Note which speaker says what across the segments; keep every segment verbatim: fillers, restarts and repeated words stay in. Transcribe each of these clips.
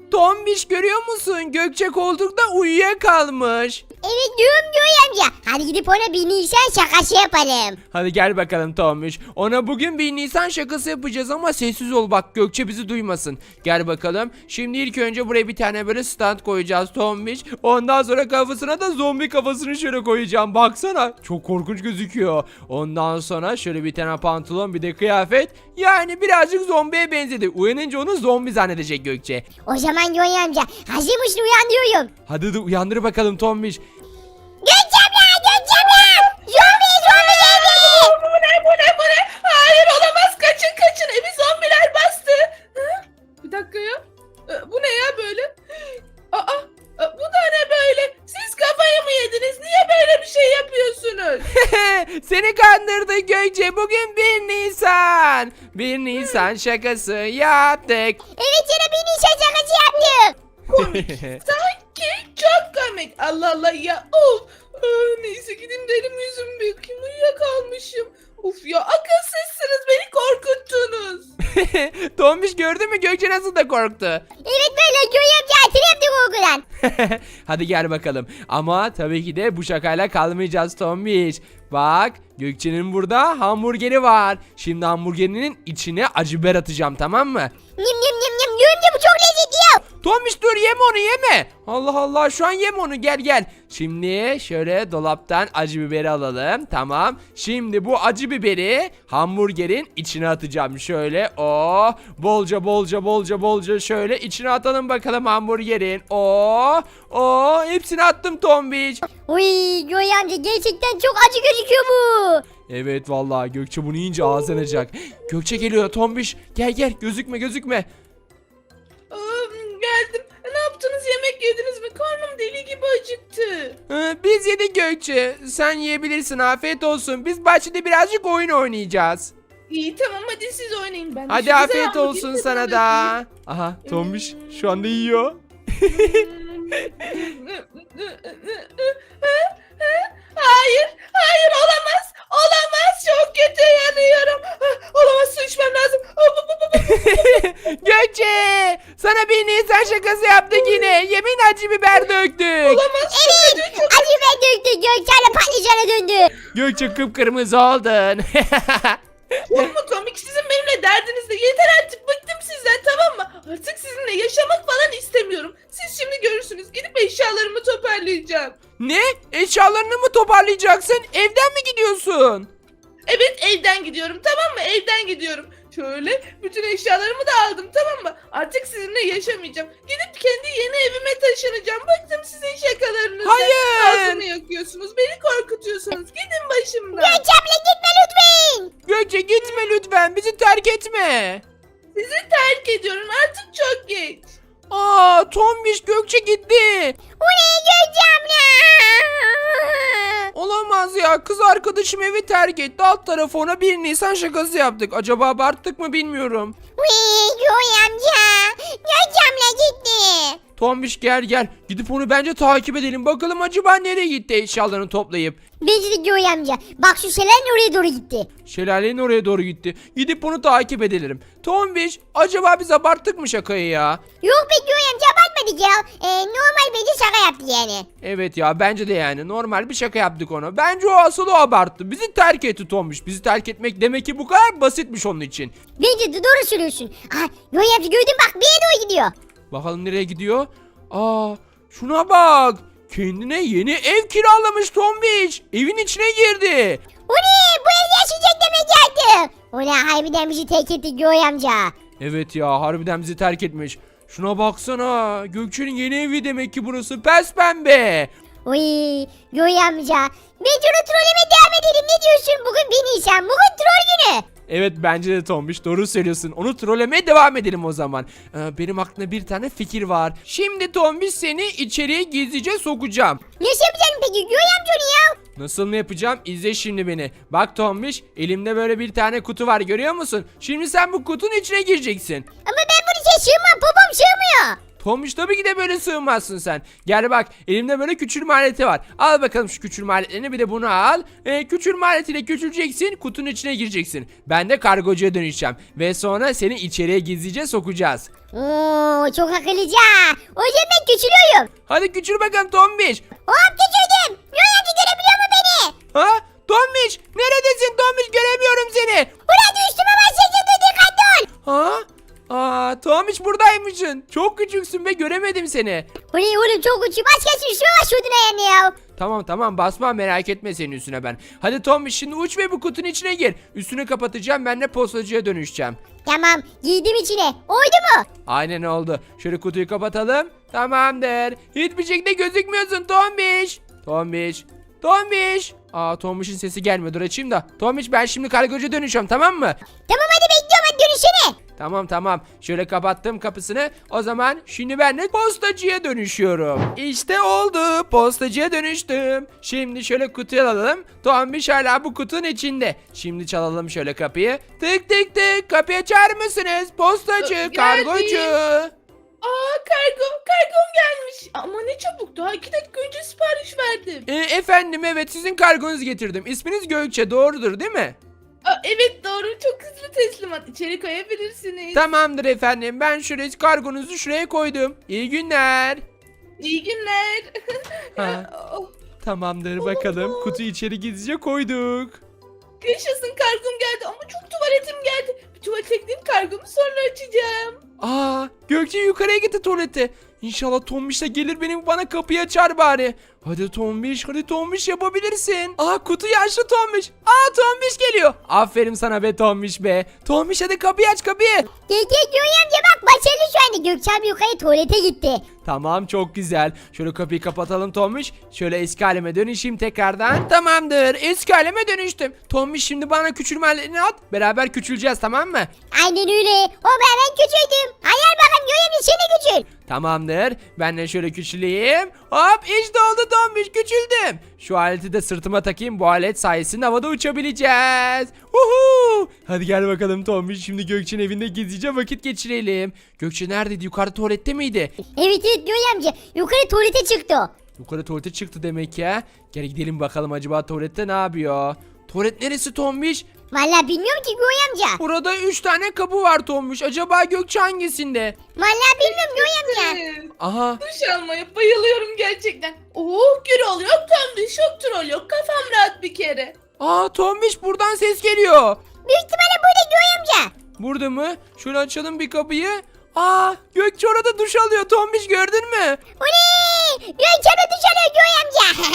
Speaker 1: Tombiş görüyor musun? Gökçe koltukta uyuyakalmış.
Speaker 2: Evet diyorum Göğe amca. Hadi gidip ona bir Nisan şakası yapalım.
Speaker 1: Hadi gel bakalım Tombiş. Ona bugün bir Nisan şakası yapacağız ama sessiz ol bak, Gökçe bizi duymasın. Gel bakalım. Şimdi ilk önce buraya bir tane böyle stand koyacağız Tombiş. Ondan sonra kafasına da zombi kafasını şöyle koyacağım. Baksana. Çok korkunç gözüküyor. Ondan sonra şöyle bir tane pantolon, bir de kıyafet. Yani birazcık zombiye benzedi. Uyanınca onu zombi zannedecek Gökçe.
Speaker 2: O zaman Göğe amca hazır mısın uyandırıyorum.
Speaker 1: Hadi de uyandır bakalım Tombiş.
Speaker 2: Gökçe abla Gökçe abla. Zombi zombi geldi.
Speaker 3: Bu ne bu ne bu ne? Hayır olamaz, kaçın kaçın, evi zombiler bastı. Hı? Bir dakika ya. Ee, Bu ne ya böyle? Aa, e, bu da ne böyle? Siz kafayı mı yediniz? Niye böyle bir şey yapıyorsunuz?
Speaker 1: Seni kandırdı Gökçe. Bugün bir Nisan. bir Nisan şakası yaptık.
Speaker 2: Evet sana bir Nisan şakası yaptım.
Speaker 3: Sanki çok komik. Allah Allah ya. Of. Aa, neyse gideyim de elim yüzümü bir yıkayayım. Uyuyakalmışım. Of ya, akılsızsınız, beni korkuttunuz.
Speaker 1: Tombiş gördün mü Gökçe nasıl da korktu.
Speaker 2: Evet böyle Göğe amca hatırladım korkudan.
Speaker 1: Hadi gel bakalım. Ama tabii ki de bu şakayla kalmayacağız Tombiş. Bak Gökçe'nin burada hamburgeri var. Şimdi hamburgerinin içine acı biber atacağım, tamam mı?
Speaker 2: Nim nim nim nim. Göğe amca bu çok lezzetli ya.
Speaker 1: Tombiş dur, yeme onu yeme. Allah Allah, şu an yeme onu, gel gel. Şimdi şöyle dolaptan acı biberi alalım. Tamam. Şimdi bu acı biberi hamburgerin içine atacağım. Şöyle o bolca bolca bolca bolca şöyle içine atalım bakalım hamburgerin. O o hepsini attım Tombiş.
Speaker 2: Uy Göğe amca gerçekten çok acı gözüküyor bu.
Speaker 1: Evet vallahi Gökçe bunu yiyince ağzı yanacak. Gökçe geliyor Tombiş. Gel gel, gözükme gözükme.
Speaker 3: Aa, geldim. Ne yaptınız? Yemek yediniz mi? Karnım deli gibi acıktı.
Speaker 1: Ee, biz yedik Gökçe. Sen yiyebilirsin, afiyet olsun. Biz bahçede birazcık oyun oynayacağız.
Speaker 3: İyi tamam, hadi siz oynayın. Ben de
Speaker 1: Hadi
Speaker 3: şu güzel
Speaker 1: afiyet
Speaker 3: hamburgeri
Speaker 1: olsun
Speaker 3: tadına
Speaker 1: sana da. Aha Tombiş şu anda yiyor.
Speaker 3: Hayır, hayır olamaz. Olamaz. Çok kötü yanıyorum. Olamaz, su içmem lazım.
Speaker 1: Gökçe sana bir Nisan şakası yaptık yine. Yemin acı biber döktük.
Speaker 3: Olamaz.
Speaker 2: Evet acı biber döktü. Gökçe abla patlıcana döndü.
Speaker 1: Gökçe kıpkırmızı oldun.
Speaker 3: Çok mu komik? Sizin benimle derdiniz de yeter artık, bıktım sizden, tamam mı? Artık sizinle yaşamak falan istemiyorum. Siz şimdi görürsünüz. Gidip eşyalarımı toparlayacağım.
Speaker 1: Ne? Eşyalarını mı toparlayacaksın? Evden mi gidiyorsun?
Speaker 3: Evet, evden gidiyorum, tamam mı? Evden gidiyorum. Şöyle bütün eşyalarımı da aldım, tamam mı? Artık sizinle yaşamayacağım. Gidip kendi yeni evime taşınacağım. Bıktım sizin şakalarınızdan.
Speaker 1: Hayır.
Speaker 3: Ağzımı yakıyorsunuz, beni korkutuyorsunuz. Gidin başımdan.
Speaker 2: Gökçe abla gitme lütfen.
Speaker 1: Gökçe gitme lütfen, bizi terk etme.
Speaker 3: Sizi terk ediyorum, artık çok geç.
Speaker 1: Aa Tombiş, Gökçe gitti.
Speaker 2: O ne Gökçe abla?
Speaker 1: Olamaz ya, kız arkadaşım evi terk etti. Alt tarafı ona bir Nisan şakası yaptık. Acaba abarttık mı bilmiyorum.
Speaker 2: Uy Göğe amca. Gökçe abla gitti.
Speaker 1: Tombiş gel gel. Gidip onu bence takip edelim. Bakalım acaba nereye gitti eşyalarını toplayıp.
Speaker 2: Bence de Göğe amca. Bak şu şelalenin oraya doğru gitti.
Speaker 1: Şelalenin oraya doğru gitti. Gidip onu takip edelim. Tombiş acaba biz abarttık mı şakayı ya?
Speaker 2: Yok be Göğe amca abartmadık ya. Ee, normal bence şaka yaptı yani.
Speaker 1: Evet ya, bence de yani normal bir şaka yaptık ona. Bence o asıl o abarttı. Bizi terk etti Tombiş. Bizi terk etmek demek ki bu kadar basitmiş onun için.
Speaker 2: Bence de doğru söylüyorsun. Ha, Göğe amca gördün bak bir yere doğru gidiyor.
Speaker 1: Bakalım nereye gidiyor? Aa, şuna bak. Kendine yeni ev kiralamış Tombiş. Evin içine girdi.
Speaker 2: O ne? Bu ev yaşayacak demek geldi. O ne? Harbiden bizi terk etti Göğe amca.
Speaker 1: Evet ya, harbiden bizi terk etmiş. Şuna baksana. Gökçe'nin yeni evi demek ki burası. Pes pembe.
Speaker 2: Uy Göğe amca. Bence onu trolleme devam edelim. Ne diyorsun? Bugün bir Nisan. Bugün troll günü.
Speaker 1: Evet bence de Tombiş, doğru söylüyorsun. Onu trollemeye devam edelim o zaman. Ee, benim aklımda bir tane fikir var. Şimdi Tombiş seni içeriye gizlice sokacağım.
Speaker 2: Nasıl yapacaksın peki Göğe amca onu ya?
Speaker 1: Nasıl mı yapacağım? İzle şimdi beni. Bak Tombiş, elimde böyle bir tane kutu var, görüyor musun? Şimdi sen bu kutunun içine gireceksin.
Speaker 2: Ama ben bunu şey sığmam. Babam sığmıyor.
Speaker 1: Tombiş tabii ki de böyle sığmazsın sen. Gel bak, elimde böyle küçülme aleti var. Al bakalım şu küçülme aletlerini, bir de bunu al. Ee, küçülme aletiyle küçüleceksin, kutunun içine gireceksin. Ben de kargocuya dönüşeceğim. Ve sonra seni içeriye gizlice sokacağız.
Speaker 2: Oo, çok akıllıca. O zaman ben küçülüyorum.
Speaker 1: Hadi küçül bakalım Tombiş.
Speaker 2: Hop küçüldüm. Yoy amca görebiliyor mu beni?
Speaker 1: Ha? Tombiş neredesin Tombiş, göremiyorum seni.
Speaker 2: Ulan üstüme başlayacak, dikkatli ol.
Speaker 1: Ha? Aa, Tombiş buradaymışsın. Çok küçüksün ve göremedim seni.
Speaker 2: Ulan oğlum çok uçuyor. Başka üstüme başlıyordun ayağını ya.
Speaker 1: Tamam tamam, basma, merak etme senin üstüne ben. Hadi Tombiş şimdi uç ve bu kutunun içine gir. Üstünü kapatacağım, ben de postacıya dönüşeceğim.
Speaker 2: Tamam giydim içine. Oydu mu?
Speaker 1: Aynen oldu. Şöyle kutuyu kapatalım. Tamamdır. Hiçbir şekilde gözükmüyorsun Tombiş. Tombiş. Tombiş. Aa, Tombiş'in sesi gelmiyor. Dur açayım da. Tombiş, ben şimdi kargocuya dönüşüyorum, tamam mı?
Speaker 2: Tamam hadi bekliyorum, hadi dönüşene.
Speaker 1: Tamam tamam. Şöyle kapattım kapısını. O zaman şimdi ben de postacıya dönüşüyorum. İşte oldu. Postacıya dönüştüm. Şimdi şöyle kutuyu alalım. Tombiş hala bu kutunun içinde. Şimdi çalalım şöyle kapıyı. Tık tık tık. Kapıyı açar mısınız? Postacı,
Speaker 3: Geldim.
Speaker 1: kargocu.
Speaker 3: Aa kargo, kargom gelmiş. Ama ne çabuk, daha iki dakika önce sipariş verdim.
Speaker 1: E, efendim evet, sizin kargonuzu getirdim. İsminiz Gökçe, doğrudur değil mi?
Speaker 3: Aa, evet doğru, çok hızlı teslimat. İçeri koyabilirsiniz.
Speaker 1: Tamamdır efendim. Ben şuraya kargonuzu şuraya koydum. İyi günler.
Speaker 3: İyi günler.
Speaker 1: Ha.
Speaker 3: Oh,
Speaker 1: Tamamdır bakalım.
Speaker 3: Olamaz.
Speaker 1: Kutuyu içeri gizlice koyduk.
Speaker 3: yaşasın, kargom geldi ama çok tuvaletim geldi. Bir tuvalete gideyim, kargomu sonra açacağım.
Speaker 1: Aa, Gökçe yukarıya gitti tuvalete. İnşallah Tombiş de gelir, benim bana kapıyı açar bari. Hadi Tombiş, hadi Tombiş, yapabilirsin. Aa, kutuyu açtı Tombiş. Aa, Tombiş geliyor. Aferin sana be Tombiş be. Tombiş hadi kapıyı aç, kapıyı.
Speaker 2: Gel gel Yoy amca, bak başarılı şu anda. Gökçe abi yukarı tuvalete gitti.
Speaker 1: Tamam, çok güzel. Şöyle kapıyı kapatalım Tombiş. Şöyle eski halime dönüşeyim tekrardan. Tamamdır, eski halime dönüştüm. Tombiş şimdi bana küçülme aletini at. Beraber küçüleceğiz, tamam mı?
Speaker 2: Aynen öyle. O ben, ben küçüldüm. Hayal bakalım Yoy amca, seni küçül.
Speaker 1: Tamamdır. Ben de şöyle küçüleyim. Hop, işte oldu Tombiş, küçüldüm. Şu aleti de sırtıma takayım. Bu alet sayesinde havada uçabileceğiz. Uhu. Hadi gel bakalım Tombiş. Şimdi Gökçe'nin evinde gizlice vakit geçirelim. Gökçe neredeydi? Yukarı tuvalette miydi?
Speaker 2: Evet evet Yoy amca, yukarı tuvalete çıktı o.
Speaker 1: Yukarı tuvalete çıktı demek ya. Gel gidelim bakalım, acaba tuvalette ne yapıyor? Tuvalet neresi Tombiş?
Speaker 2: Vallahi bilmiyorum ki Yoy amca.
Speaker 1: Burada üç tane kapı var Tombiş. Acaba Gökçe hangisinde?
Speaker 2: Vallahi bilmiyorum Yoy amca.
Speaker 3: Evet.
Speaker 1: Aha.
Speaker 3: Duş almaya bayılıyorum gerçekten. Oh Gürol yok, tam duş yok, troll yok. Kafam rahat bir kere.
Speaker 1: Aa, Tombiş buradan ses geliyor.
Speaker 2: Büyük ihtimalle burada Yoy amca.
Speaker 1: Burada mı? Şöyle açalım bir kapıyı. Aa, Gökçe orada duş alıyor Tombiş, gördün mü?
Speaker 2: Oley! Gökçe abi duş alıyor Yoy amca.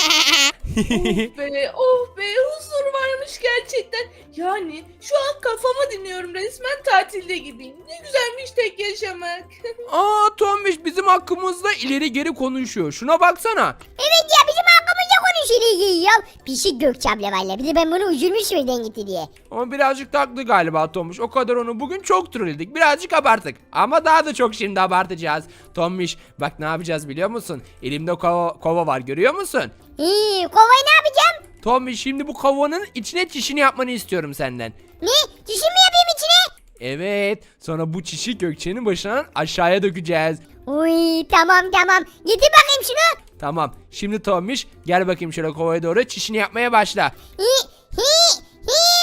Speaker 3: Oh be, oh be, huzur varmış gerçekten. Yani şu an kafamı dinliyorum, resmen tatilde gibiyim. Ne güzelmiş tek yaşamak.
Speaker 1: Aa, Tombiş bizim hakkımızda ileri geri konuşuyor. Şuna baksana.
Speaker 2: Evet ya, bizim hakkımızda konuşuyor ya. Pişik Gökçe abla valla. Bir de ben bunu üzülmüş birden gitti diye.
Speaker 1: Ama birazcık taklı galiba Tombiş. O kadar onu bugün çok trolledik. Birazcık abarttık. Ama daha da çok şimdi abartacağız. Tombiş bak ne yapacağız biliyor musun? Elimde kova, kova var, görüyor musun?
Speaker 2: İyi, kovayı ne yapacağım?
Speaker 1: Tombiş şimdi bu kovanın içine çişini yapmanı istiyorum senden.
Speaker 2: Ne? Çişim mi yapayım içine?
Speaker 1: Evet. Sonra bu çişi Gökçe'nin başına aşağıya dökeceğiz.
Speaker 2: Uy tamam tamam. Getir bakayım şunu.
Speaker 1: Tamam. Şimdi Tombiş gel bakayım şöyle kovaya doğru, çişini yapmaya başla.
Speaker 2: Hi hi hi.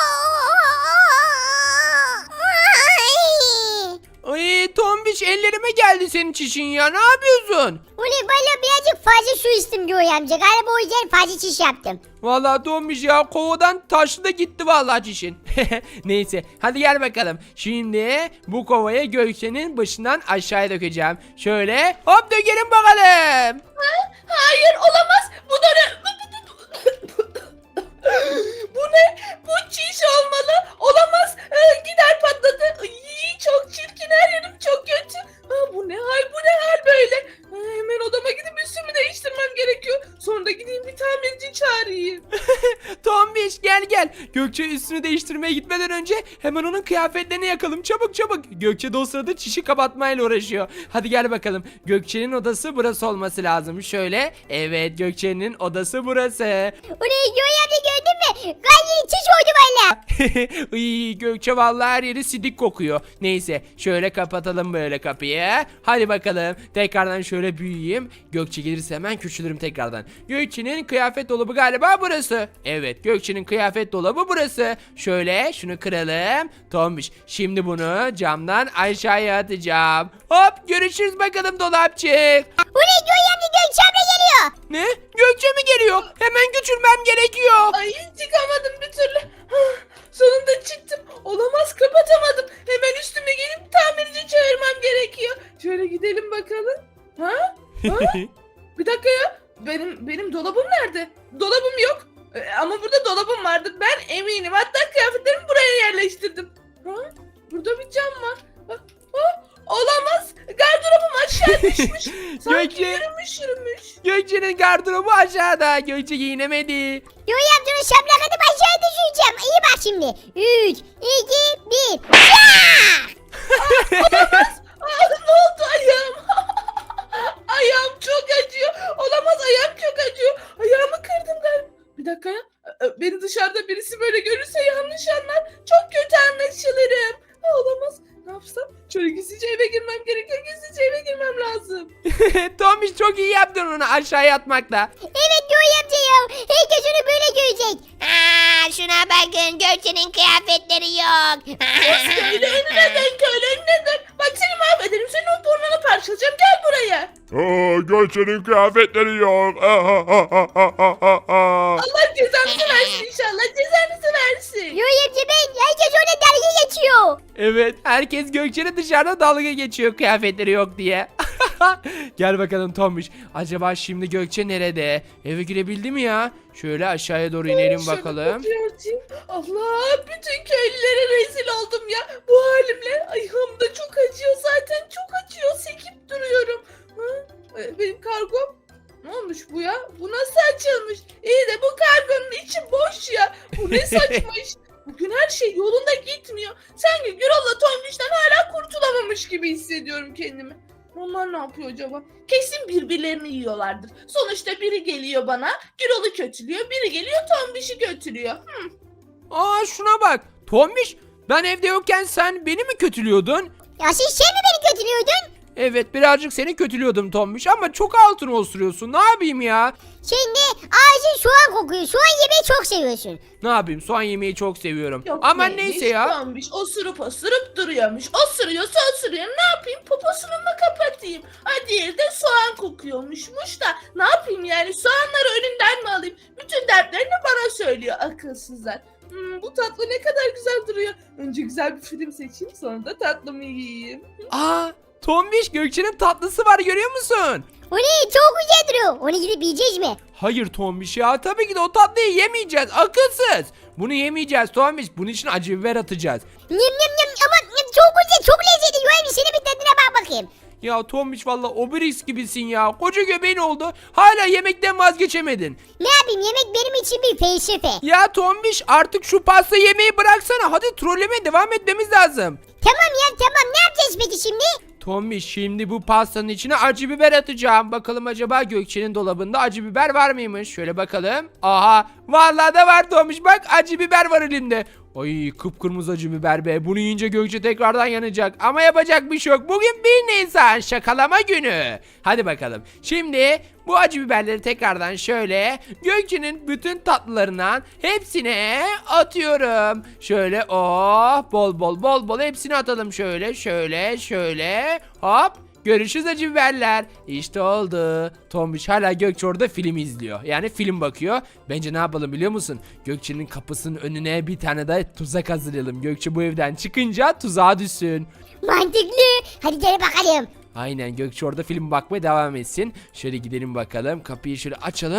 Speaker 1: Ay Tombiş, ellerime geldi senin çişin ya, ne yapıyorsun?
Speaker 2: Ulan valla birazcık fazla su içtim Yoy amca. Galiba o yüzden fazla çiş yaptım.
Speaker 1: Vallahi Tombiş ya, kovadan taşlı da gitti vallahi çişin. Neyse hadi gel bakalım. Şimdi bu kovaya Gökçe'nin başından aşağıya dökeceğim. Şöyle hop dökelim bakalım.
Speaker 3: Hayır, olamaz. Bu da ne? Bu ne? Bu çiş olmalı. Olamaz. Ee, gider patladı. Ay, çok çirkin, her yerim çok kötü. Aa, bu ne hal, bu ne hal böyle? Aa, hemen odama gidip üstümü değiştirmem gerekiyor. Sonra da gideyim bir tamirci çağırayım.
Speaker 1: Tombiş gel gel. Gökçe üstünü değiştirmeye gitmeden önce hemen onun kıyafetlerini yakalım. Çabuk çabuk. Gökçe de o sırada çişi kapatmayla uğraşıyor. Hadi gel bakalım. Gökçe'nin odası burası olması lazım. Şöyle. Evet, Gökçe'nin odası burası.
Speaker 2: Orayı Joy amca gördün mü? Gayet çiş oldu valla.
Speaker 1: Iy, Gökçe vallahi her yeri sidik kokuyor. Neyse şöyle kapatalım böyle kapıyı. Hadi bakalım. Tekrardan şöyle büyüyeyim. Gökçe gelirse hemen küçülürüm tekrardan. Gökçe'nin kıyafet dolabı galiba burası. Evet, Gökçe'nin kıyafet dolabı burası. Şöyle şunu kıralım. Tombiş. Şimdi bunu camdan aşağıya atacağım. Hop, görüşürüz bakalım dolapçık.
Speaker 2: Orayı Joy amca Gökçe abla geliyor.
Speaker 1: Ne? Gökçe mi geliyor? Hemen küçülmem gerekiyor.
Speaker 3: Ay çıkamadım bir türlü. Hah, sonunda çıktım. Olamaz, kapatamadım. Hemen üstüme gelip tamirci çağırmam gerekiyor. Şöyle gidelim bakalım. Ha? Ha? Bir dakika ya. Benim benim dolabım nerede? Dolabım yok. Ee, ama burada dolabım vardı. Ben eminim. Hatta kıyafetlerimi buraya yerleştirdim. Ha? Burada bir cam var. Ha? Ha? Olamaz. Gardırobum aşağı düşmüş. Sanki
Speaker 1: Gökçe.
Speaker 3: yürümüş yürümüş.
Speaker 1: Gökçe'nin gardırobu aşağıda. Gökçe giyinemedi.
Speaker 2: Joy amcanın şaplak atıp aşağıya düşüreceğim. İyi bak şimdi. üç, iki, bir.
Speaker 3: Aa, ne oldu ayağım? Ayağım çok acıyor. Olamaz, ayağım çok acıyor. Ayağımı kırdım galiba. Bir dakika ya. Ee, Beni dışarıda birisi böyle görürse yanlış anlar. Çok kötü anlaşılırım. Ha, olamaz. Ne yapsam? Şöyle gizlice eve girmem gerekiyor. Gizlice eve girmem lazım.
Speaker 1: Tombiş çok iyi yaptın onu aşağıya atmakla.
Speaker 2: Evet Joy amca ya. Herkes onu böyle görecek. Aa, şuna bakın Gökçe'nin kıyafetleri yok.
Speaker 3: Köyle önüne dön, köyle önüne dön. Bak seni mahvederim. Senin o burnunu parçalayacağım. Gel buraya.
Speaker 4: Aa, Gökçe'nin kıyafetleri yok.
Speaker 3: Allah cezanızı versin inşallah. Cezanızı versin.
Speaker 2: Joy amca ben. Herkes ona dalga geçiyor.
Speaker 1: Evet, herkes Gökçe'nin dışarıda dalga geçiyor kıyafetleri yok diye. Gel bakalım Tombiş. Acaba şimdi Gökçe nerede? Eve girebildi mi ya? Şöyle aşağıya doğru inelim
Speaker 3: Şöyle
Speaker 1: bakalım.
Speaker 3: kapıyı açayım. Allah, bütün köylülere rezil oldum ya. Bu halimle ayağım da çok acıyor zaten. Çok acıyor. Sekip duruyorum. Ha? Ee, Benim kargom. Ne olmuş bu ya? Bu nasıl açılmış? İyi de bu kargonun içi boş ya. Bu ne saçma iş. Bugün her şey yolunda gitmiyor. Sanki Gürol'la Tombiş'ten hala kurtulamamış gibi hissediyorum kendimi. Onlar ne yapıyor acaba? Kesin birbirlerini yiyorlardır. Sonuçta biri geliyor bana, Gürol'u kötülüyor. Biri geliyor Tombiş'i götürüyor. Hı.
Speaker 1: Aa, şuna bak. Tombiş, ben evde yokken sen beni mi kötülüyordun?
Speaker 2: Ya siz şey mi beni kötülüyordun?
Speaker 1: Evet, birazcık seni kötülüyordum Tombiş ama çok altın osuruyorsun. Ne yapayım ya?
Speaker 2: Şimdi ağzın soğan kokuyor. Soğan yemeyi çok seviyorsun.
Speaker 1: Ne yapayım? Soğan yemeyi çok seviyorum.
Speaker 3: Yok
Speaker 1: Ama
Speaker 3: neymiş,
Speaker 1: neyse ya.
Speaker 3: Tombiş osurup osurup duruyormuş. Osuruyorsa osuruyor. Ne yapayım? Poposunu mu kapatayım? Ha, diğeri de soğan kokuyormuşmuş da. Ne yapayım yani? Soğanları önünden mi alayım? Bütün dertlerini bana söylüyor akılsızlar. Hmm, bu tatlı ne kadar güzel duruyor. Önce güzel bir film seçeyim, sonra da tatlımı yiyeyim.
Speaker 1: Aa, Tombiş, Gökçe'nin tatlısı var, görüyor musun?
Speaker 2: O ne? Çok güzel duruyor. Onu gidip yiyeceğiz mi?
Speaker 1: Hayır Tombiş ya, tabii ki de o tatlıyı yemeyeceğiz, akılsız. Bunu yemeyeceğiz Tombiş, bunun için acı biber atacağız.
Speaker 2: Nyam nyam nyam ama nyam, çok güzel, çok lezzetli. Yoy amca senin bir tadına bak bakayım.
Speaker 1: Ya Tombiş valla obris gibisin ya, koca göbeğin oldu, hala yemekten vazgeçemedin.
Speaker 2: Ne yapayım, yemek benim için bir felsefe.
Speaker 1: Ya Tombiş, artık şu pasta yemeği bıraksana, hadi trollemeye devam etmemiz lazım.
Speaker 2: Tamam ya tamam, ne yapacağız peki şimdi?
Speaker 1: Tombiş, şimdi bu pastanın içine acı biber atacağım. Bakalım acaba Gökçe'nin dolabında acı biber var mıymış? Şöyle bakalım. Aha, vallahi da var Tombiş, bak acı biber var elimde. Ay, kıpkırmızı acı biber be. Bunu yiyince Gökçe tekrardan yanacak. Ama yapacak bir şey yok. Bugün bir Nisan şakalama günü. Hadi bakalım. Şimdi bu acı biberleri tekrardan şöyle Gökçe'nin bütün tatlılarından hepsine atıyorum. Şöyle oh, bol bol bol bol hepsini atalım şöyle şöyle şöyle. Hop. Görüşürüz acı biberler. İşte oldu. Tombiş hala Gökçe orada film izliyor. Yani film bakıyor. Bence ne yapalım biliyor musun? Gökçe'nin kapısının önüne bir tane de tuzak hazırlayalım. Gökçe bu evden çıkınca tuzağa düşsün.
Speaker 2: Mantıklı. Hadi gel bakalım.
Speaker 1: Aynen, Gökçe orada film bakmaya devam etsin. Şöyle gidelim bakalım. Kapıyı şöyle açalım.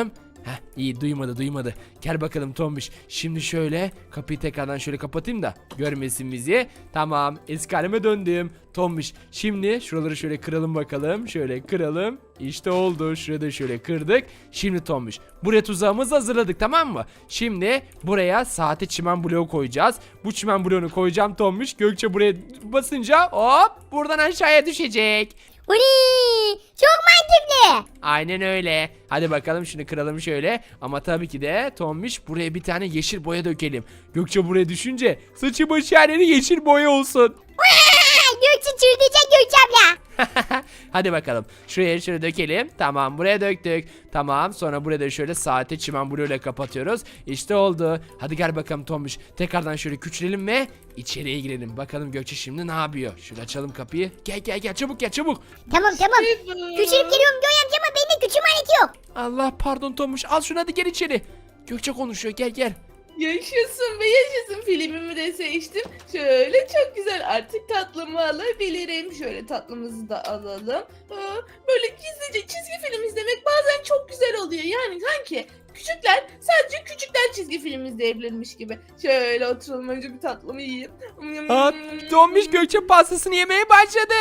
Speaker 1: Heh, iyi duymadı duymadı. Gel bakalım Tombiş. Şimdi şöyle kapıyı tekrardan şöyle kapatayım da görmesin bizi. Tamam, eski halime döndüm. Tombiş, şimdi şuraları şöyle kıralım bakalım. Şöyle kıralım. İşte oldu. Şurada şöyle kırdık. Şimdi Tombiş, buraya tuzağımızı hazırladık, tamam mı? Şimdi buraya saate çimen bloğu koyacağız. Bu çimen bloğunu koyacağım Tombiş. Gökçe buraya basınca hop buradan aşağıya düşecek.
Speaker 2: Uli, çok mantıklı.
Speaker 1: Aynen öyle. Hadi bakalım şunu kıralım şöyle. Ama tabii ki de Tombiş buraya bir tane yeşil boya dökelim. Gökçe buraya düşünce saçı başı her yeri yeşil boya olsun.
Speaker 2: Aa, Gökçe çıldıracak Gökçe abla.
Speaker 1: Hadi bakalım. Şuraya şöyle dökelim. Tamam, buraya döktük. Tamam, sonra buraya da şöyle saate çimen bloğuyla kapatıyoruz. İşte oldu. Hadi gel bakalım Tombiş. Tekrardan şöyle küçülelim ve içeriye girelim. Bakalım Gökçe şimdi ne yapıyor? Şöyle açalım kapıyı. Gel gel gel çabuk gel çabuk.
Speaker 2: Tamam tamam.
Speaker 3: Evet.
Speaker 2: Küçülüp geliyorum Göğe amca ama bende küçülme aleti yok.
Speaker 1: Allah pardon Tombiş. Al şunu hadi gel içeri. Gökçe konuşuyor. Gel gel.
Speaker 3: Yaşasın ve yaşasın, filmimi de seçtim. Şöyle çok güzel, artık tatlımı alabilirim. Şöyle tatlımızı da alalım. Aa, böyle gizlice çizgi film izlemek bazen çok güzel oluyor. Yani sanki küçükler, sadece küçükler çizgi film izleyebilirmiş gibi. Şöyle oturalım, önce bir tatlımı yiyeyim.
Speaker 1: Aa, Tombiş Gökçe pastasını yemeye başladı.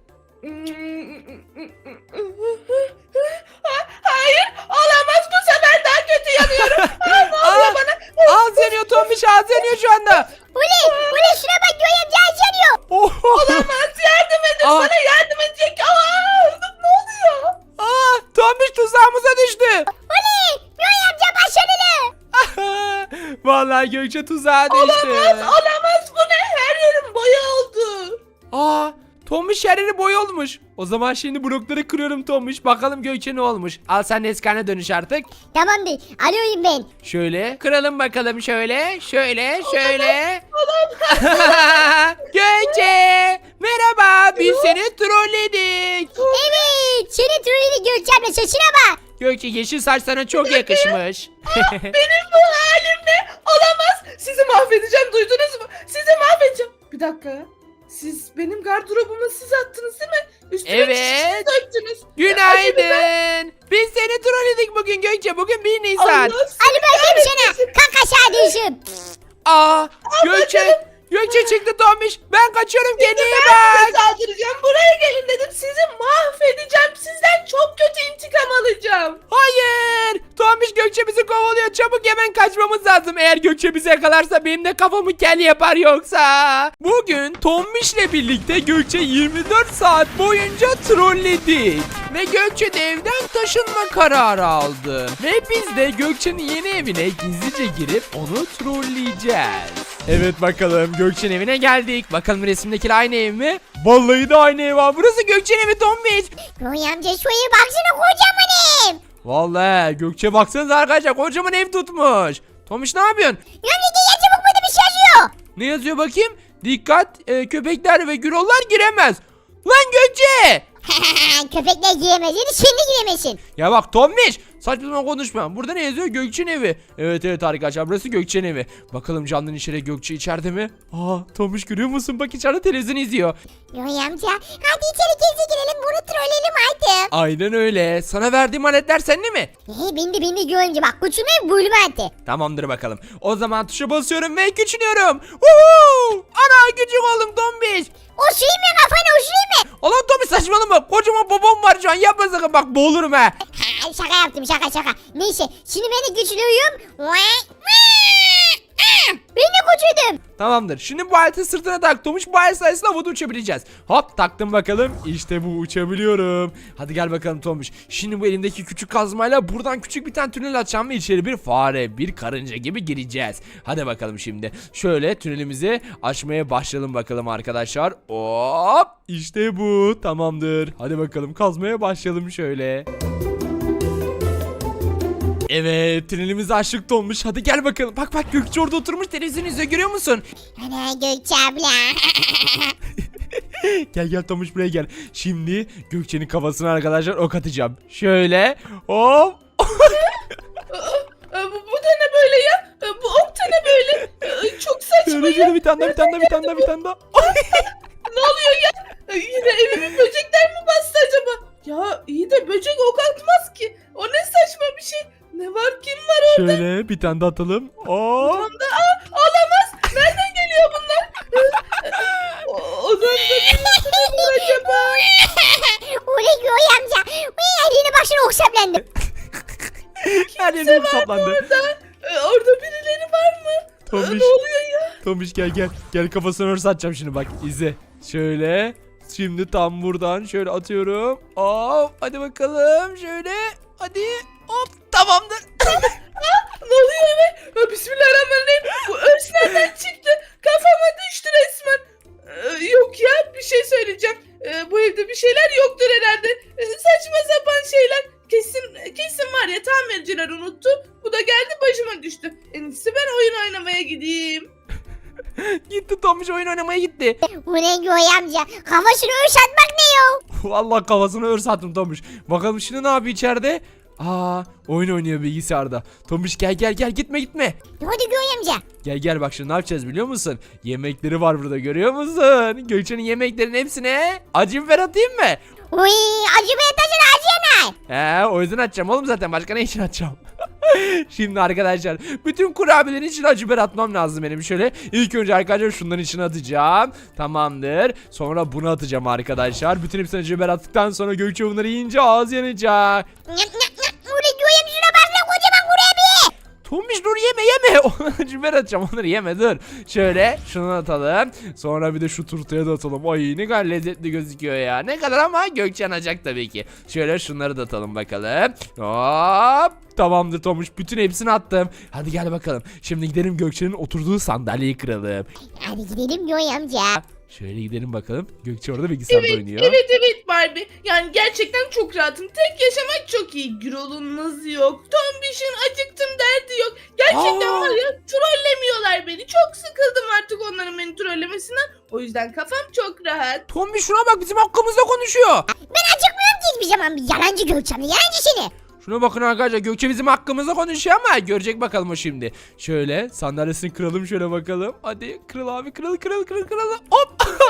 Speaker 3: Hayır, olamaz, bu sefer daha kötü yanıyorum. Aa, ne oluyor
Speaker 1: Aa,
Speaker 3: bana?
Speaker 1: ağız yanıyor Tombiş, ağız yanıyor şu anda.
Speaker 2: Uli, Uli şuna bak Göğe amca açanıyor.
Speaker 1: Oh.
Speaker 3: Olamaz, yardım edin,
Speaker 1: Aa.
Speaker 3: bana yardım edecek. Aa, ne oluyor?
Speaker 1: Aa, Tombiş tuzağımıza düştü.
Speaker 2: Uli, Göğe amca başarılı.
Speaker 1: Vallahi Gökçe tuzağa düştü.
Speaker 3: Olamaz, olamaz, bu ne? Her yerim boya oldu.
Speaker 1: Aa, Tombiş her yeri boy olmuş. O zaman şimdi blokları kırıyorum Tombiş. Bakalım Gökçe ne olmuş. Al sen de eski haline dönüş artık.
Speaker 2: Tamamdır, alıyorum ben.
Speaker 1: Şöyle kıralım bakalım şöyle. Şöyle şöyle. Gökçe merhaba, biz seni trolledik.
Speaker 2: Evet, seni trolledik Gökçe abla, saçına bak.
Speaker 1: Gökçe yeşil saç sana çok yakışmış.
Speaker 3: Benim bu halim ne? Olamaz. Sizi mahvedeceğim, duydunuz mu? Sizi mahvedeceğim. Bir dakika. Siz benim gardırobuma siz attınız değil mi? Üstüne
Speaker 1: Evet.
Speaker 3: çiçeği döktünüz.
Speaker 1: Günaydın. Biz seni trolledik bugün Gökçe. Bugün bir Nisan.
Speaker 3: Allah
Speaker 2: Hadi bakayım sana, kalk aşağı düşüm.
Speaker 1: Aa, Gökçe. Gökçe çıktı Tombiş. Ben kaçıyorum, kendine iyi
Speaker 3: Ben
Speaker 1: bak.
Speaker 3: size saldıracağım. Buraya gelin dedim. Sizi mahvedeceğim. Sizden çok kötü intikam alacağım.
Speaker 1: Hayır. Tombiş Gökçe bizi kovalıyor. Çabuk hemen kaçmamız lazım. Eğer Gökçe bizi yakalarsa benim de kafamı kel yapar yoksa. Bugün Tombiş'le birlikte Gökçe yirmi dört saat boyunca trolledik. Ve Gökçe de evden taşınma kararı aldı. Ve biz de Gökçe'nin yeni evine gizlice girip onu trolleyeceğiz. Evet bakalım Gökçe'nin evine geldik. Bakalım resimdekiler aynı ev mi? Vallahi de aynı ev var. Burası Gökçe'nin evi Tombiş.
Speaker 2: Göğe amca şu eve baksana, kocaman ev.
Speaker 1: Vallahi Gökçe baksanıza arkadaşlar, kocaman ev tutmuş. Tomiş ne yapıyorsun?
Speaker 2: Göğe amca gel çabuk, burada bir şey yazıyor.
Speaker 1: Ne yazıyor bakayım? Dikkat, e, köpekler ve gürollar giremez. Lan Gökçe!
Speaker 2: Köpekler giyemez, yedi şimdi giyemesin.
Speaker 1: Ya bak Tomiş, saçmalama konuşma. Burada ne yazıyor? Gökçe'nin evi. Evet evet arkadaşlar, burası Gökçe'nin evi. Bakalım canlının içeri, Gökçe içeride mi? Aa, Tomiş görüyor musun? Bak içeride televizyon izliyor.
Speaker 2: Göğe amca hadi içeri gizli girelim, bunu trolleyelim artık.
Speaker 1: Aynen öyle. Sana verdiğim aletler sende mi?
Speaker 2: Hey, bindi bindi Göğe amca, bak küçülme bulma artık.
Speaker 1: Tamamdır bakalım. O zaman tuşa basıyorum ve küçülüyorum. Woohoo! Ana küçük oldum Tombiş.
Speaker 2: O şey mi kafana, o şey mi?
Speaker 1: Allah Tombiş saçmalama. Kocaman babam var şu an. Yapma sakın, bak boğulurum ha.
Speaker 2: Ha, şaka yaptım, şaka şaka. Neyse, şimdi ben de güçlüyüm. Ben de küçüldüm.
Speaker 1: Tamamdır. Şimdi bu aleti sırtına tak Tomuş. Bu alet sayesinde havada uçabileceğiz. Hop taktım bakalım. İşte bu, uçabiliyorum. Hadi gel bakalım Tomuş. Şimdi bu elimdeki küçük kazmayla buradan küçük bir tane tünel açacağım ve içeri bir fare, bir karınca gibi gireceğiz. Hadi bakalım şimdi. Şöyle tünelimizi açmaya başlayalım bakalım arkadaşlar. Hop. İşte bu. Tamamdır. Hadi bakalım kazmaya başlayalım şöyle. Evet, tünelimizi açtık Tomuş. Hadi gel bakalım. Bak bak Gökçe orada oturmuş televizyon izliyor, görüyor musun?
Speaker 2: Ana Gökçe abla.
Speaker 1: Gel gel Tomuş, buraya gel. Şimdi Gökçe'nin kafasına arkadaşlar ok atacağım. Şöyle. Hop.
Speaker 3: Aa, bu, bu da ne böyle ya? Aa, bu ok da ne böyle? Aa, çok saçma
Speaker 1: Şöyle
Speaker 3: ya.
Speaker 1: şöyle bir tane daha, bir tane daha, bir tane daha, bir tane daha.
Speaker 3: Ne oluyor ya? Aa, yine evimi böcekler mi bastı acaba? Ya iyi de böcek ok atmaz ki. O ne saçma bir şey. Ne var
Speaker 1: Şöyle bir tane de atalım. Aa!
Speaker 3: Tam da aa, olamaz. Nereden geliyor bunlar? O- Odamda ne var acaba?
Speaker 2: Oley Göğe amca. Uy eline başına okşaplandı.
Speaker 1: Her yerim saplandı.
Speaker 3: Ee, Orada birileri var mı? Ee,
Speaker 1: Tombiş.
Speaker 3: Ne oluyor ya?
Speaker 1: Tombiş gel gel. Gel kafasına örs atacağım şimdi bak. İzle. Şöyle. Şimdi tam buradan şöyle atıyorum. Hop. Hadi bakalım. Şöyle. Hadi. Hop. Tamamdır.
Speaker 3: Ne oluyor be? Ha, Bismillahirrahmanirrahim. Bu örs nereden çıktı? Kafama düştü resmen. Ee, yok ya, bir şey söyleyeceğim. Ee, bu evde bir şeyler yoktur herhalde. Ee, saçma sapan şeyler. Kesin kesin var ya, tamirciler unuttu. Bu da geldi başıma düştü. En iyisi ben oyun oynamaya gideyim.
Speaker 1: Gitti Tombiş oyun oynamaya gitti.
Speaker 2: Oley Göğe amca. Kafasını örs atmak ne ya?
Speaker 1: Vallahi kafasına örs attım Tombiş. Bakalım şimdi ne yapıyor içeride? Aa, oyun oynuyor bilgisayarda. Tombiş gel gel gel gitme gitme.
Speaker 2: Hadi Göğe amca.
Speaker 1: Gel gel bak şimdi ne yapacağız biliyor musun? Yemekleri var burada görüyor musun? Gökçe'nin yemeklerin hepsine acı biber atayım mı?
Speaker 2: Uy acı be taşın acı yanay.
Speaker 1: He o yüzden atacağım oğlum zaten başka ne için atacağım? Şimdi arkadaşlar bütün kurabiyelerin içine acı biber atmam lazım benim. Şöyle ilk önce arkadaşlar şunların içine atacağım. Tamamdır. Sonra bunu atacağım arkadaşlar. Bütün hepsine acı biber attıktan sonra Gökçe bunları yiyince ağız yanacak.
Speaker 2: Nyam nyam nyam. Oley Göğe amca şuna bak lan kocaman kurabiye.
Speaker 1: Tombiş dur yeme yeme. Acı biber atacağım onları yeme dur. Şöyle şunu atalım. Sonra bir de şu turtaya da atalım. Ay ne kadar lezzetli gözüküyor ya. Ne kadar ama Gökçe yanacak tabii ki. Şöyle şunları da atalım bakalım. Hop. Tamamdır Tomuş. Bütün hepsini attım. Hadi gel bakalım. Şimdi gidelim Gökçe'nin oturduğu sandalyeyi kıralım.
Speaker 2: Hadi gidelim Göğe amca.
Speaker 1: Şöyle gidelim bakalım. Gökçe orada bilgisayarda
Speaker 3: Evet,
Speaker 1: oynuyor.
Speaker 3: evet, evet Barbie. Yani gerçekten çok rahatım. Tek yaşamak çok iyi. Gürol'un nazı yok. Tombiş'in acıktım derdi yok. Gerçekten
Speaker 1: Aa.
Speaker 3: var ya, trollemiyorlar beni. Çok sıkıldım artık onların beni trollemesinden. O yüzden kafam çok rahat.
Speaker 1: Tombiş şuna bak bizim hakkımızda konuşuyor.
Speaker 2: Ben acıkmıyorum ki hiçbir zaman. Yalancı Gökçe amca. Yalancı seni.
Speaker 1: Şuna bakın arkadaşlar Gökçe bizim hakkımızda konuşuyor ama görecek bakalım o şimdi. Şöyle sandalyesini kıralım şöyle bakalım. Hadi kırıl abi kırıl kırıl kırıl kırıl. Hop.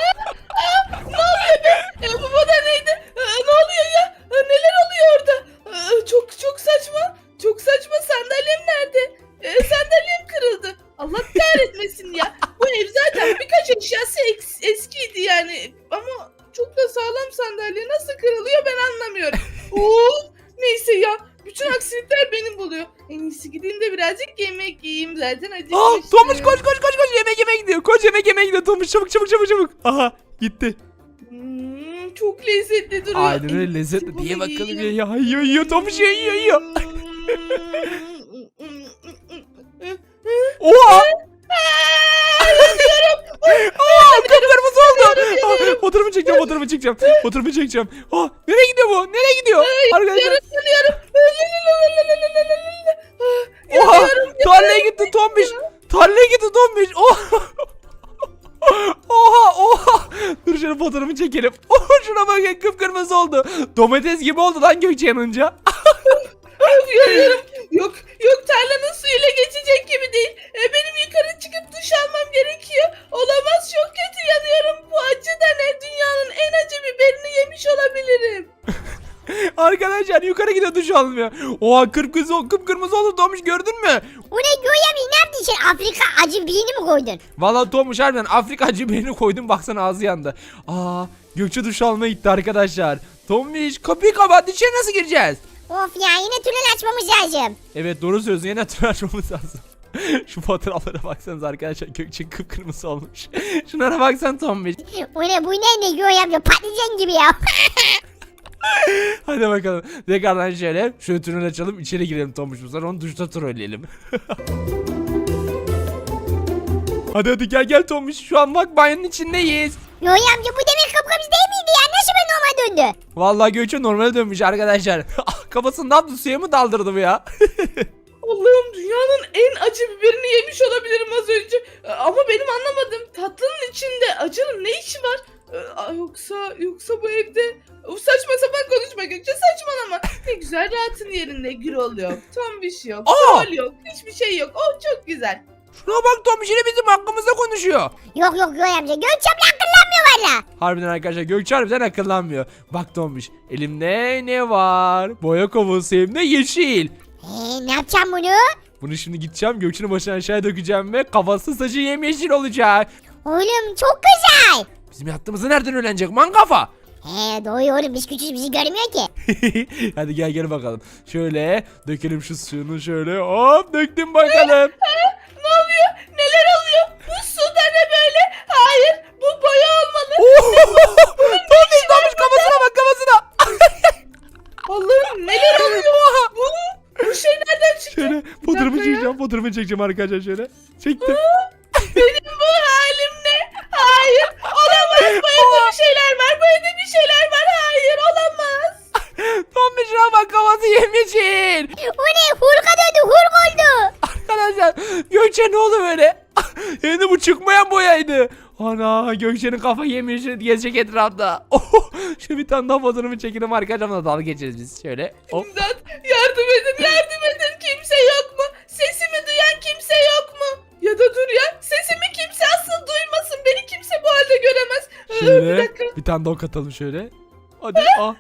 Speaker 3: E, bu, bu da neydi? E, ne oluyor ya? E, neler oluyor orada? E, çok çok saçma. Çok saçma. Sandalyem nerede? E, sandalyem kırıldı. Allah kahretmesin ya. Bu ev zaten birkaç eşyası eks- eskiydi yani. Ama çok da sağlam sandalye. Nasıl kırılıyor ben anlamıyorum. Oo, neyse ya. Bütün aksilikler beni buluyor. En iyisi gideyim de birazcık yemek yiyeyim, zaten acıkmıştım.
Speaker 1: Aa, Tomuş koş koş koş koş yemek yemek gidiyor. Koş yemek yemek gidiyor Tomuş çabuk çabuk çabuk çabuk. Aha gitti.
Speaker 3: Hmm, çok lezzetli duruyor.
Speaker 1: Aynen
Speaker 3: En
Speaker 1: öyle
Speaker 3: iyisi
Speaker 1: lezzetli
Speaker 3: bunu
Speaker 1: diye bakalım
Speaker 3: yiyeyim.
Speaker 1: ya. Ya yiyor yiyor Tomuş yiyor yiyor yiyor. Oha. Aa, kıpkırmızı oldu. Aa, fotoğrafı çekeceğim fotoğrafı çekeceğim. Fotoğrafı çekeceğim. Aa, nereye gidiyor bu? Nereye gidiyor? Arkadaşlar.
Speaker 3: Yanıyorum.
Speaker 1: Oha tarlaya gitti Tombiş. Tarlaya gitti Tombiş. Oha. Oha oha. Dur şöyle fotoğrafını çekelim. Oha şuna bakın kıpkırmızı oldu. Domates gibi oldu lan Gökçe yanınca.
Speaker 3: Yanıyorum. Yok yok, tarlanın suyuyla geçecek gibi değil. E, benim yukarı çıkıp duş almam gerekiyor. Olamaz, çok kötü yanıyorum. Bu acı da ne? Dünyanın en acı biberini yemiş olabilirim.
Speaker 1: Arkadaşlar yukarı gidiyor duş almıyor. Oha kıpkırmızı kıpkırmızı oldu Tomuş gördün mü?
Speaker 2: O ne Göğe amca, ne yaptın sen? Afrika acı birini mi koydun?
Speaker 1: Vallahi Tomuş harbiden Afrika acı biberini koydum baksana ağzı yandı. Aa Gökçe duş almaya gitti arkadaşlar. Tomuş kapıyı kapat içeri nasıl gireceğiz?
Speaker 2: Of ya, yine tünel açmamız lazım.
Speaker 1: Evet doğru söylüyorsun yine tünel açmamız lazım. Şu fotoğraflara baksanız arkadaşlar Gökçe kıpkırmızı olmuş. Şunlara baksan Tomuş.
Speaker 2: O ne, bu ne ne Göğe amca, patlıcan gibi ya.
Speaker 1: Hadi bakalım. Tekrardan şöyle şöyle tünel açalım içeri girelim Tomuş bu sefer onu duşta trolleyelim. Hadi hadi gel gel Tomuş şu an bak banyonun içindeyiz.
Speaker 2: Göğe amca, bu demek kapkamız değil miydi ya? Nasıl ben normal döndü?
Speaker 1: Vallahi Gökçe normale dönmüş arkadaşlar. Kafasını ne yaptı suya mı daldırdı bu ya?
Speaker 3: Allah'ım, dünyanın en acı biberini yemiş olabilirim az önce. E, Ama benim anlamadım. Tatlının içinde acının ne işi var? E, a, Yoksa yoksa bu evde... Of, saçma sapan konuşma Gökçe, saçmalama. Ne güzel rahatın yerinde. Gürol yok, Tombiş yok,
Speaker 1: Aa!
Speaker 3: Troll yok, hiçbir şey yok. Oh, çok güzel.
Speaker 1: Şuna bak Tomuş yine bizim hakkımızda konuşuyor.
Speaker 2: Yok yok Göğe amca, Gökçe abla akıllanmıyor valla.
Speaker 1: Harbiden arkadaşlar Gökçe harbiden akıllanmıyor. Bak Tomuş elimde ne var? Boya kovası hem de yeşil.
Speaker 2: Eee ne yapacağım bunu?
Speaker 1: Bunu şimdi gideceğim Gökçe'nin başına aşağıya dökeceğim ve kafası saçı yemyeşil olacak.
Speaker 2: Oğlum çok güzel.
Speaker 1: Bizim yattığımızı nereden öğrenecek man kafa?
Speaker 2: He doğru oğlum biz küçüğüz bizi görmüyor ki.
Speaker 1: Hadi gel gel bakalım. Şöyle dökelim şu suyunu şöyle. Hop döktüm bakalım.
Speaker 3: Ne oluyor? Neler oluyor? Bu su da ne böyle? Hayır, bu boya olmalı.
Speaker 1: Tombiş tombiş kafasına bak kafasına.
Speaker 3: Allah'ım neler oluyor? Bu, bu şey nereden çıktı?
Speaker 1: Şöyle fotoğrafı
Speaker 3: dakika ya.
Speaker 1: çekeceğim fotoğrafını çekeceğim arkadaşlar şöyle. Çektim.
Speaker 3: Benim bu halim ne? Hayır, olamaz. Bu evde bir şeyler var. Bu evde bir şeyler var. Hayır, olamaz.
Speaker 1: Tombiş şuna bak kafası yemyeşil.
Speaker 2: O ne Hulk'a döndü Hulk oldu.
Speaker 1: Arkadaşlar Gökçe ne oldu böyle? Hem de bu çıkmayan boyaydı. Ana Gökçe'nin kafa yemiş gezecek etrafta. Oh, şu bir tane daha fotoğrafı çekelim arkadaşlarımla dalga geçeriz biz şöyle. Hop.
Speaker 3: İmdat, yardım edin, yardım edin. Kimse yok mu? Sesimi duyan kimse yok mu? Ya da dur ya, sesimi kimse asıl duymasın. Beni kimse bu halde göremez. Ee, bir
Speaker 1: Şöyle
Speaker 3: dakika.
Speaker 1: bir tane daha katalım şöyle. Hadi ah.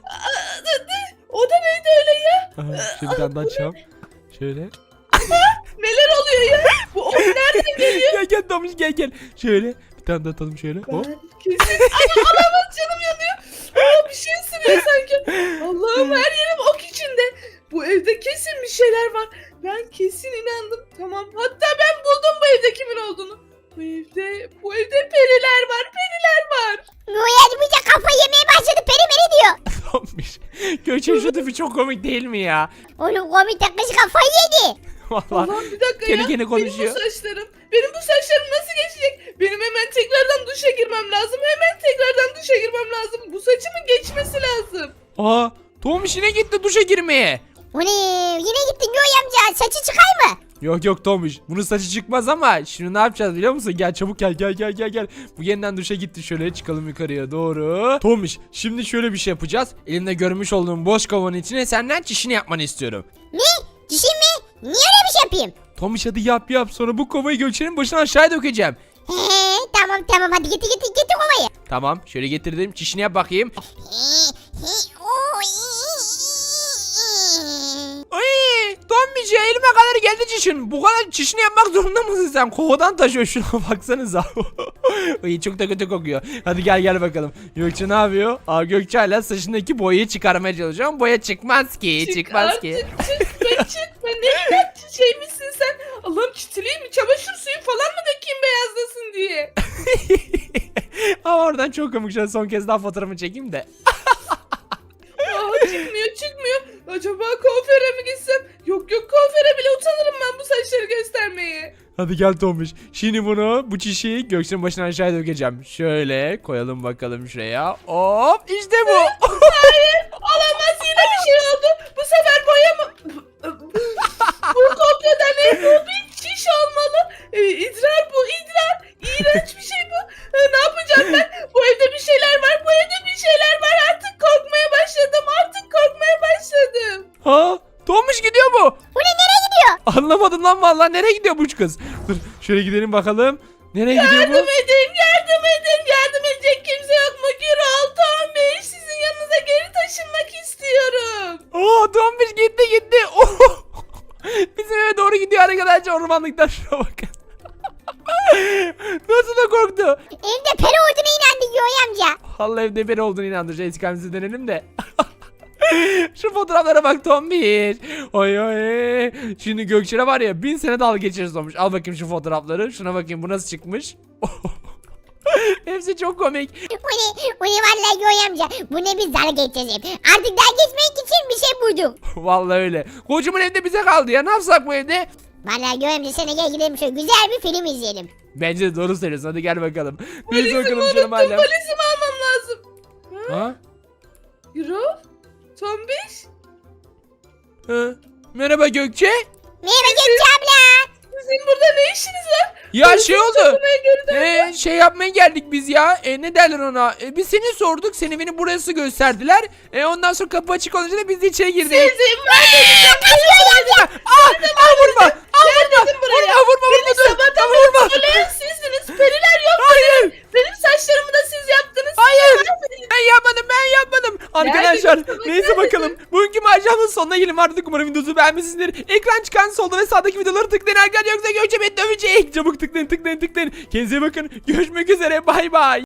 Speaker 3: O da neydi öyle ya?
Speaker 1: Aha, şöyle bir tane daha açalım. Şöyle.
Speaker 3: Neler oluyor ya? Bu o nereden geliyor?
Speaker 1: Gel gel Tomuş gel gel. Şöyle bir tane daha atalım şöyle. Hop.
Speaker 3: Ben kesin... Ana olamaz, canım yanıyor. Aa, bir şey ısırıyor sanki. Allah'ım her yerim ok içinde. Bu evde kesin bir şeyler var. Ben kesin inandım. Tamam, hatta ben buldum bu evde kimin olduğunu. Bu evde, bu evde periler var, periler var.
Speaker 2: Noel bize kafa yemeye başladı peri meri diyor.
Speaker 1: Tomuş. Gökçe şu tipi çok komik değil mi ya?
Speaker 2: Oğlum komik takışı kafayı yedi.
Speaker 1: Vallahi.
Speaker 3: Allah'ım bir dakika
Speaker 1: Kendi
Speaker 3: ya.
Speaker 1: kendine konuşuyor.
Speaker 3: Benim bu saçlarım, benim bu saçlarım nasıl geçecek? Benim hemen tekrardan duşa girmem lazım. Hemen tekrardan duşa girmem lazım. Bu saçımın geçmesi lazım.
Speaker 1: Aa Tomuş yine gitti duşa girmeye.
Speaker 2: O ne yine gittin Noel amca saçı çıkar mı?
Speaker 1: Yok yok Tomuş. Bunun saçı çıkmaz ama şimdi ne yapacağız biliyor musun? Gel çabuk gel gel gel gel gel. Bu yeniden duşa gitti şöyle çıkalım yukarıya doğru. Tomuş şimdi şöyle bir şey yapacağız. Elimde görmüş olduğum boş kovanın içine senden çişini yapmanı istiyorum.
Speaker 2: Ne? Dişim mi? Niye öyle bir şey yapayım?
Speaker 1: Tomuş hadi yap yap sonra bu kovayı Gökçe'nin başına aşağıya dökeceğim.
Speaker 2: He tamam tamam hadi getir getir getir kovayı.
Speaker 1: Tamam şöyle getirdim çişini yap bakayım.
Speaker 2: He he o
Speaker 1: Ay Tomuş ya elime kadar geldi çişin. Bu kadar çişini yapmak zorunda mısın sen? Kovadan taşıyor şuna baksanıza. Ay çok da kötü kokuyor. Hadi gel gel bakalım. Gökçe ne yapıyor? Aa Gökçe hala saçındaki boyayı çıkarmaya çalışıyor ama boya çıkmaz ki.
Speaker 3: Çık
Speaker 1: çıkmaz
Speaker 3: artık,
Speaker 1: ki.
Speaker 3: çıkma çıkma. Ne kadar şey misin sen? Allah'ım çitileyim mi? Çamaşır suyu falan mı dökeyim beyazlasın diye?
Speaker 1: Ama oradan çok komik. Şöyle son kez daha fotoğrafını çekeyim de.
Speaker 3: Aa, çıkmıyor çıkmıyor. Acaba kuaföre mi gitsem? Yok yok, kuaföre bile utanırım ben bu saçları göstermeye.
Speaker 1: Hadi gel Tomuş. Şimdi bunu bu çişi Gökçe'nin başına aşağıya dökeceğim. Şöyle koyalım bakalım şuraya. Hop işte bu.
Speaker 3: Hayır, olamaz, yine bir şey oldu. Bu sefer boya mı? Bu kopyada ne? Bu bir çiş olmalı. Ee, idrar bu, idrar. İğrenç bir şey bu. Ee, ne yapacağım ben? Bu evde bir şeyler var, bu evde bir şeyler var. Artık korkmaya başladım, artık korkmaya başladım.
Speaker 1: Ha? Tomuş gidiyor bu.
Speaker 2: Bu ne nereye gidiyor?
Speaker 1: Anlamadım lan vallahi nereye gidiyor bu kız? Dur şöyle gidelim bakalım. Nereye gidiyor bu?
Speaker 3: Yardım edin, yardım edin. Yardım edecek kimse yok mu? Gürol, Tom Bey, sizin yanınıza geri taşınmak istiyorum.
Speaker 1: Aa Tomuş gitti gitti. Oh! Bizim eve doğru gidiyor arkadaşlar ormanlıktan şuna bakın. Nasıl da korktu.
Speaker 2: Evde peri olduğuna inandı Noel amca.
Speaker 1: Vallahi evde beri olduğunu inandıracağız. İstikamimizi dönelim de. Şu fotoğraflara bak Tombiş. Oy oy. Şimdi Gökçe'ne var ya bin sene dalga geçeriz olmuş. Al bakayım şu fotoğrafları. Şuna bakayım bu nasıl çıkmış. Hepsi çok komik.
Speaker 2: O ne? O ne vallahi Noel amca. Bu ne biz dalga geçeceğiz. Artık dalga geçmek için bir şey buldum.
Speaker 1: Vallahi öyle. Kocaman evde bize kaldı ya. Ne yapsak bu evde?
Speaker 2: Vallahi Noel amca sana gel gidelim şöyle güzel bir film izleyelim.
Speaker 1: Bence de doğru söylüyorsun. Hadi gel bakalım. Biz
Speaker 3: Valizimi
Speaker 1: bakalım
Speaker 3: unuttum,
Speaker 1: canım hala.
Speaker 3: valizimi almam lazım.
Speaker 1: Ha?
Speaker 3: Gürol, Tom Bey.
Speaker 1: Ha? Merhaba Gökçe.
Speaker 2: Merhaba Gökçe abla.
Speaker 3: Sizin burada ne işiniz var?
Speaker 1: Ya
Speaker 3: Valizimi
Speaker 1: şey oldu.
Speaker 3: toplamaya geri dön-
Speaker 1: Ee, şey yapmaya geldik biz ya. E, ne derler ona? E, biz seni sorduk. Seni beni burası gösterdiler. E, ondan sonra kapı açık olunca da biz de içeri girdik.
Speaker 3: Sizin var dedim.
Speaker 1: Aa, aa, vurma. Aa,
Speaker 3: Gel
Speaker 1: vurma.
Speaker 3: dedim buraya.
Speaker 1: Vurma vurma vurma.
Speaker 3: Beni
Speaker 1: dur.
Speaker 3: sabahtan
Speaker 1: Aa,
Speaker 3: beri
Speaker 1: vurma.
Speaker 3: söyleyen sizsiniz. Periler yok.
Speaker 1: Hayır.
Speaker 3: Benim saçlarımı da siz yaptınız.
Speaker 1: Hayır.
Speaker 3: Siz yapmadınız.
Speaker 1: Ben yapmadım ben yapmadım. Arkadaşlar
Speaker 3: Neredesin?
Speaker 1: neyse bakalım. Bugünkü maceramın sonuna gelin vardık. Umarım videosu beğenmişsinizdir. Ekran çıkan solda ve sağdaki videoları tıklayın arkadaşlar. Yoksa Gökçe beni dövecek. Çabuk tıklayın tıklayın tıklayın. Kendinize iyi bakın. Görüşmek üzere. Bay bay.